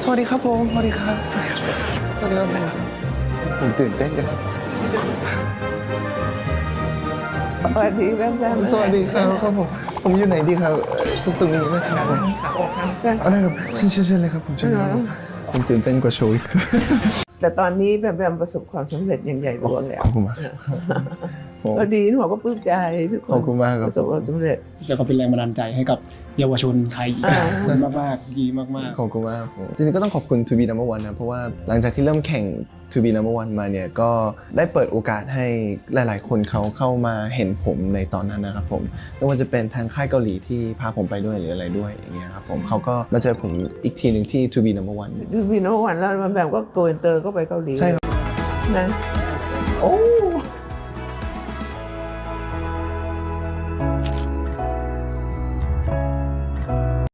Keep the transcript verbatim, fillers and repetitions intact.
สวัสดีครับผมสวัสดีครับสวัสดีครับสวัสดีครับผมผมตื่นเต้นจังครับสวัสดีแม่แม่สวัสดีครับครับผมผมอยู่ไหนดีครับตรงตรงนี้นะครับผมเอาได้ครับเชิญเชิญเชิญเลยครับผมเชิญครับผมตื่นเต้นกว่าโชว์แต่ตอนนี้แม่แม่ประสบความสำเร็จอย่างใหญ่หลวงแล้วขอบคุณมากก็ดีหนูก็ปลื้มใจทุกคนขอบคุณมากครับประสบความสำเร็จแล้วก็เป็นแรงบันดาลใจให้กับเยาวชนไทยอีกอ่าขอบคุณมากๆดีมากๆขอบคุณมากผมจริงๆก็ต้องขอบคุณ To Be Number One นะเพราะว่าหลังจากที่เริ่มแข่ง To Be Number One มาเนี่ยก็ได้เปิดโอกาสให้หลายๆคนเขาเข้ามาเห็นผมในตอนนั้นนะครับผมไม่ว่าจะเป็นทางค่ายเกาหลีที่พาผมไปด้วยหรืออะไรด้วยอย่างเงี้ยครับผมเขาก็มาเจอผมอีกทีหนึ่งที่ To Be Number One คือพี่โนวันแล้วแม่แม่ก็โกอินเตอร์ก็ไปเกาหลีใช่ครับนะโอ้